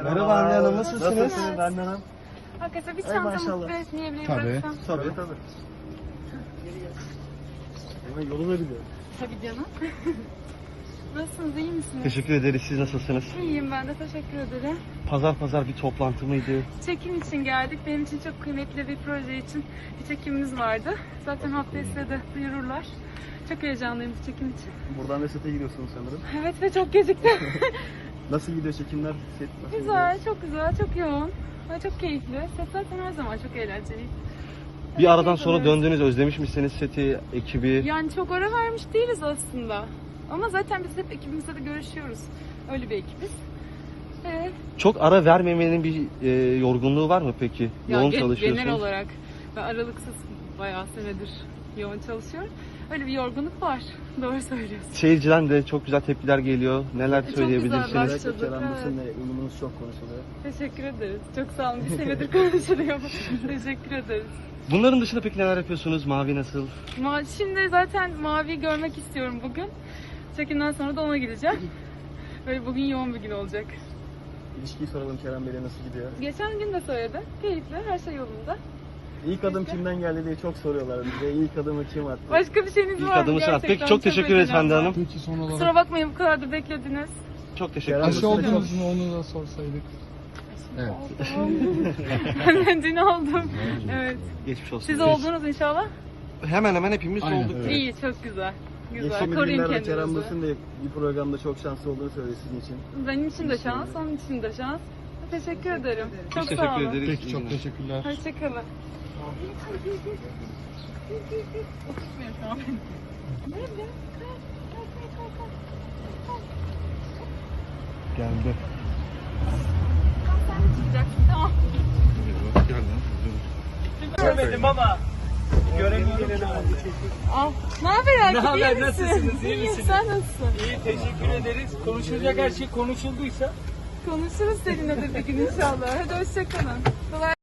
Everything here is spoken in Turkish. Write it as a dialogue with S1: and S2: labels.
S1: Merhaba Hande Hanım, nasılsınız?
S2: Nasılsınız Hande Hanım?
S3: Arkadaşlar bir
S2: Ay,
S3: çantamı
S2: maşallah.
S3: ve esneyebilirim
S1: Tabii.
S3: bıraksam.
S2: Tabii. Hemen yolu da biliyor.
S3: Tabii canım. Nasılsınız, iyi misiniz?
S1: Teşekkür ederiz, siz nasılsınız?
S3: İyiyim ben de, teşekkür ederim.
S1: Pazar bir toplantı mıydı?
S3: Çekim için geldik. Benim için çok kıymetli bir proje için bir çekimimiz vardı. Zaten haftaya size de duyururlar. Çok heyecanlıyım bu çekim için.
S2: Buradan da sete gidiyorsunuz sanırım.
S3: Evet ve çok geciktim.
S2: Nasıl gidiyor çekimler? Set nasıl
S3: Güzel, çok güzel, çok yoğun. Ve çok keyifli. Set zaten her zaman çok eğlenceli.
S1: Bir aradan sonra döndünüz, özlemiş misiniz seti, ekibi?
S3: Yani çok ara vermiş değiliz aslında. Ama zaten biz hep ekibimizle de görüşüyoruz. Öyle bir ekibiz.
S1: Çok ara vermemenin bir yorgunluğu var mı peki? Yoğun çalışıyorsunuz.
S3: Genel olarak ben aralıksız bayağı senedir yoğun çalışıyorum. Öyle bir yorgunluk var. Doğru söylüyorsun.
S1: Seyirciden de çok güzel tepkiler geliyor. Neler
S3: Çok
S1: söyleyebilirsiniz?
S3: güzel
S2: Özellikle
S3: başladık,
S2: Kerem
S3: evet.
S2: Bürsin'le uyumunuz çok konuşuluyor.
S3: Teşekkür ederiz. Çok sağ olun. Bir senedir konuşuluyor. Teşekkür ederiz.
S1: Bunların dışında peki neler yapıyorsunuz? Mavi nasıl?
S3: Şimdi zaten Mavi'yi görmek istiyorum bugün. Çekimden sonra da ona gideceğim. Böyle bugün yoğun bir gün olacak.
S2: İlişkiyi soralım Kerem Bey'le nasıl gidiyor?
S3: Geçen gün de söyledi. Keyifli, her şey yolunda.
S2: İlk adım kimden geldi diye çok soruyorlar bize. İlk adımı kim attı?
S3: Başka bir şeyiniz
S1: İlk
S3: var mı?
S1: adımı sen at.
S3: Gerçekten
S1: Peki çok teşekkür ederiz
S3: önemli.
S1: Hande Hanım.
S4: Peki son olarak
S3: Kusura bakmayın bu kadar da beklediniz.
S1: Çok teşekkür
S2: Kerem
S1: ederiz.
S4: aşı
S2: Bürsin'le
S4: oldunuz mu onu da sorsaydık. Evet.
S3: Ben dün oldum. Evet.
S1: Geçmiş olsun.
S3: Siz oldunuz inşallah.
S1: Hemen hemen hepimiz
S4: Aynen,
S1: olduk.
S4: evet.
S3: İyi, çok güzel. Güzel.
S2: Geçtiğimiz
S3: Koruyun
S2: günlerde Kerem
S3: kendinizi.
S2: Bürsin de bir programda çok şanslı olduğunu söyledi sizin için.
S3: Benim için de şans, onun için de şans. Teşekkür ederim. Çok
S1: Biz
S3: sağ
S1: teşekkür
S3: olun.
S1: ederiz.
S4: Peki çok teşekkürler.
S3: Hoşçakalın. Oturtmuyor şu an beni. Nerede?
S1: Geldi.
S3: Sen de çıkacaksın, tamam.
S5: Görmedim ama göremiyorum.
S3: Al. Ne haber Akif?
S5: Ne haber,
S3: İyi misin?
S5: nasılsınız, iyi
S3: İyiyim,
S5: misiniz?
S3: sen nasılsın?
S5: İyi, teşekkür ederiz. Konuşulacak her şey konuşulduysa
S3: Konuşuruz seninle de bir gün inşallah. Hadi hoşçakalın. Kolay